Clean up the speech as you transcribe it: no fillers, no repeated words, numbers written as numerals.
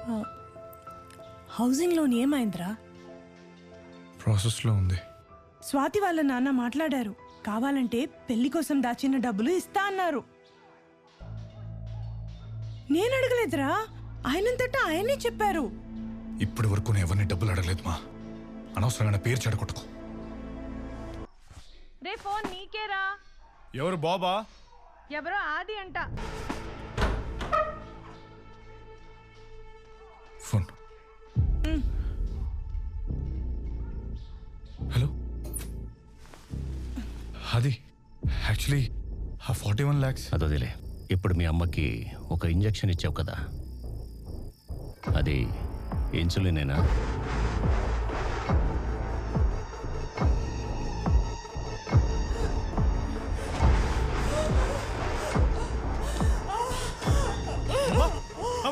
Housing loan ఏమైందిరా? ప్రాసెస్లో ఉంది. స్వాతి వాళ్ళ నాన్న మాట్లాడారు, కావాలంటే పెళ్లి కోసం దాచిన డబ్బులు ఇస్తా అన్నారు. నేను అడగలేదురా, ఆయనంతటా ఆయనే చెప్పారు. ఇప్పటి వరకు నేను ఎవరిని డబ్బులు అడగలేదు మా. అనవసరమైన పేరు చెడగొట్టుకో. రే ఫోన్ నీకేరా. ఎవరు బాబా? ఎవరో ఆది అంట. ఫోన్. హలో అది యాక్చువల్లీ ఆ 41 lakhs అదొదిలే. ఇప్పుడు మీ అమ్మకి ఒక ఇంజెక్షన్ ఇచ్చావు కదా, అది ఇన్సులినేనా?